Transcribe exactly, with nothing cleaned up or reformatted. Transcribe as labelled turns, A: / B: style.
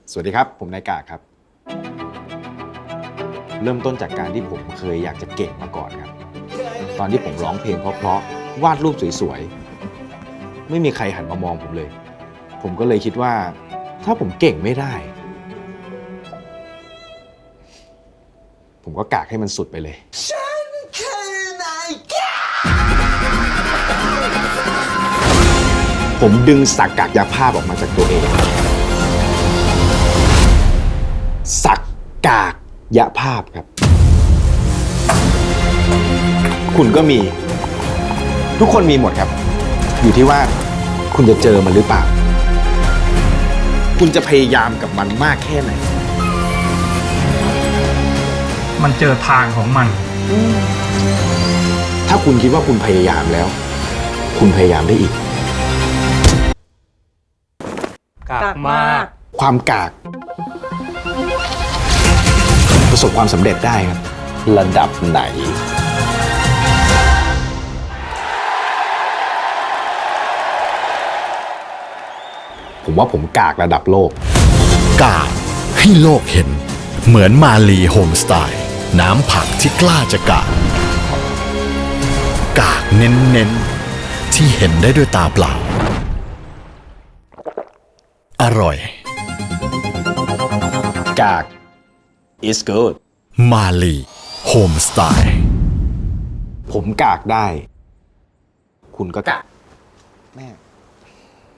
A: สวัสดีครับผมนายกาครับเริ่มต้นจากการที่ผมเคยอยากจะเก่งมาก่อนครับตอนที่ผมร้องเพลงเพราะๆวาดรูปสวยๆไม่มีใครหันมามองผมเลยผมก็เลยคิดว่าถ้าผมเก่งไม่ได้ผมก็กากให้มันสุดไปเลยผมดึงสักกากยาภาพออกมาจากตัวเองสักกากยาภาพครับคุณก็มีทุกคนมีหมดครับอยู่ที่ว่าคุณจะเจอมันหรือเปล่าคุณจะพยายามกับมันมากแค่ไหน
B: มันเจอทางของมัน
A: ถ้าคุณคิดว่าคุณพยายามแล้วคุณพยายามได้อีก
B: กากมาก
A: ความกากประสบความสำเร็จได้ครับระดับไหนผมว่าผมกากระดับโลก
C: กากให้โลกเห็นเหมือนมาลีโฮมสไตล์น้ำผักที่กล้าจะกากกากเน้นๆที่เห็นได้ด้วยตาเปล่าอร่อย
A: กาก is good
C: มาลีโฮมสไตล์
A: ผมกากได้คุณก็กากแม่